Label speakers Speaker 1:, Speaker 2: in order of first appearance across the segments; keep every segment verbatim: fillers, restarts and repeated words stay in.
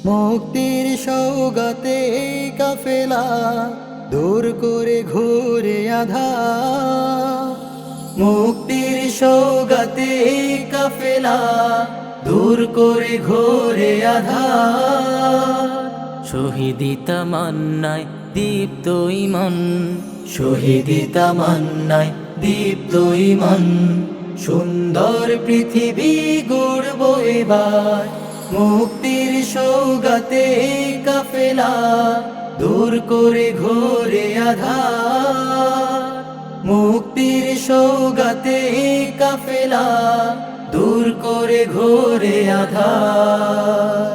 Speaker 1: মুক্তির সওগাতে কাফেলা দূর করে ঘোরে আধার। মুক্তির সওগাতে কাফেলা দূর করে ঘোরে আধার।
Speaker 2: শহীদি তামান্নায় দীপ্ত ইমন,
Speaker 1: শহীদি তামান্নায় দীপ্ত ইমন, সুন্দর পৃথিবী গড়ব এবার। মুক্তির সওগাতে কাফেলা দূর করে ঘোরে আধার। মুক্তির সওগাতে কাফেলা দূর করে ঘোরে আধার।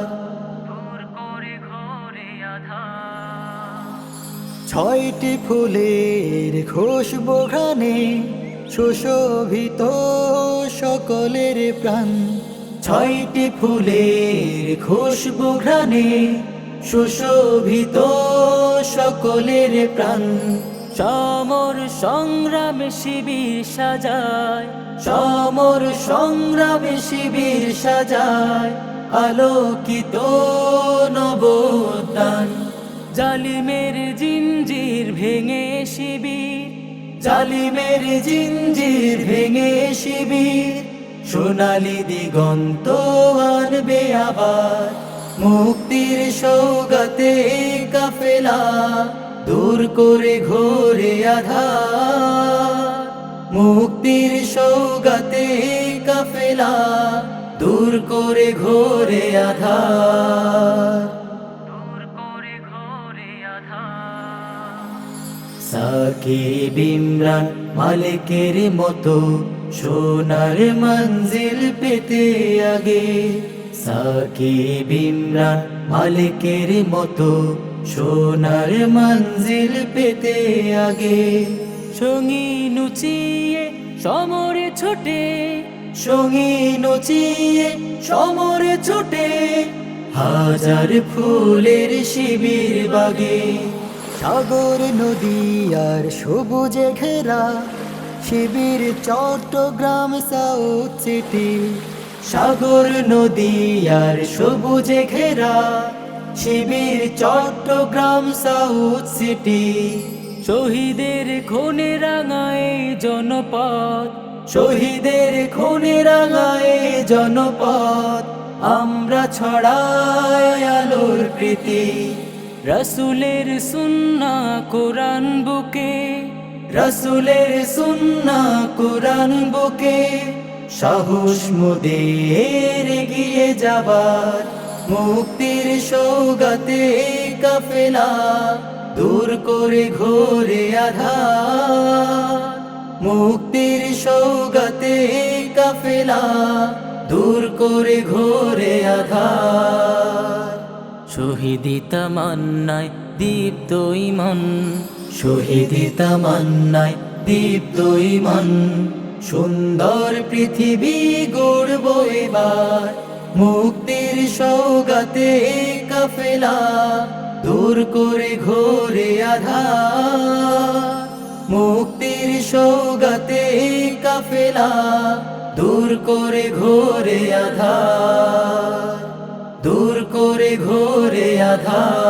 Speaker 1: ছয়টি ফুলের খুশবু ঘ্রাণে সুশোভিত সকলের প্রাণ। ছয়টি ফুলের খুশবু ঘ্রাণে সুশোভিত সকলের প্রাণ।
Speaker 2: সমর সংগ্রামে শিবির সাজায়,
Speaker 1: সমর সংগ্রামে শিবির সাজায়, আলোকিত নবোত্থান।
Speaker 2: জালিমের জিঞ্জির ভেঙে শিবির,
Speaker 1: জালিমের জিঞ্জির ভেঙে শিবির, সোনালি দিগন্ত আনবে আবার। মুক্তির সওগাতে কাফেলা দূর করে ঘোরে আধার। মুক্তির সওগাতে কাফেলা দূর করে ঘোরে আধার। সাকিব ইমরান মালিকের মতো সোনার মঞ্জিল পেতে আগে। সাকিব ইমরান মালিকের মতো সোনার মঞ্জিল পেতে আগে।
Speaker 2: সঙ্গী নুচিয়ে সমরে ছোটে,
Speaker 1: সঙ্গী নচিয়ে সমরে ছোটে, হাজার ফুলের শিবির বাগে। সাগর নদী আর সবুজে ঘেরা শিবির চট্টগ্রাম সাউথ সিটি। সাগর নদী আর সবুজে ঘেরা শিবির চট্টগ্রাম সাউথ সিটি।
Speaker 2: শহীদের খুনে রাঙায় জনপদ,
Speaker 1: শহীদের খুনে রাঙায় জনপদ, আমরা ছড়াই আলোর প্রীতি।
Speaker 2: রাসূলের সুন্নাহ কোরআন বুকে,
Speaker 1: রাসূলের সুন্নাহ কোরআন বুকে, সাহস মোদের এগিয়ে যাবার। মুক্তির সওগাতে কাফেলা দূর করে ঘোরে আধার। মুক্তির সওগাতে কাফেলা দূর করে ঘোরে আধার।
Speaker 2: শহীদি তামান্নায় দীপ্ত ইমন,
Speaker 1: শহীদি তামান্নায় দীপ্ত ইমন, সুন্দর পৃথিবী গড়ব এবার। মুক্তির সওগাতে কাফেলা দূর করে ঘোরে আধার। মুক্তির সওগাতে কাফেলা দূর করে ঘোরে আধার। দূর করে ঘোরে আধার।